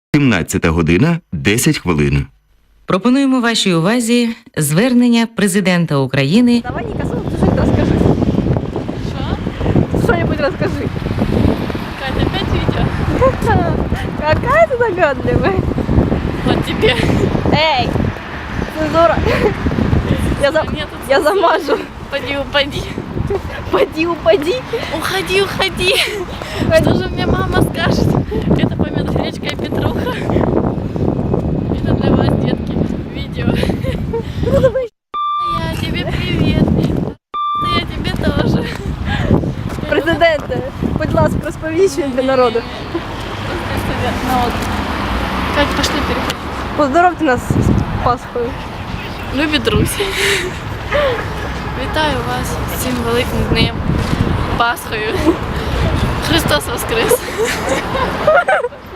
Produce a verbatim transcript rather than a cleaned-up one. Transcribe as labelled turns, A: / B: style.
A: сімнадцята година десять хвилин.
B: Пропонуємо вашій увазі звернення президента України.
C: Давай, Ника, что-нибудь расскажи.
D: Что?
C: Что-нибудь расскажи.
D: Катя, опять видео?
C: Какая ты догадливая.
D: Вот тебе.
C: Эй, цензура. Я, за...
D: Нет,
C: Я замажу.
D: Упади, упади.
C: Поди, упади.
D: Уходи, уходи. Что же мне мама скажет? Это помет гречка и петруха. Это для вас, детки, видео. Я тебе привет. Я тебе тоже.
C: Президенте, будь ласка, розповіщуй для народу.
D: Народ. Кать, пошли переходить.
C: Поздоровте нас з Пасхою.
D: Любі друзі. Вітаю вас з цим великим днем. Пасхою. Христос Воскрес!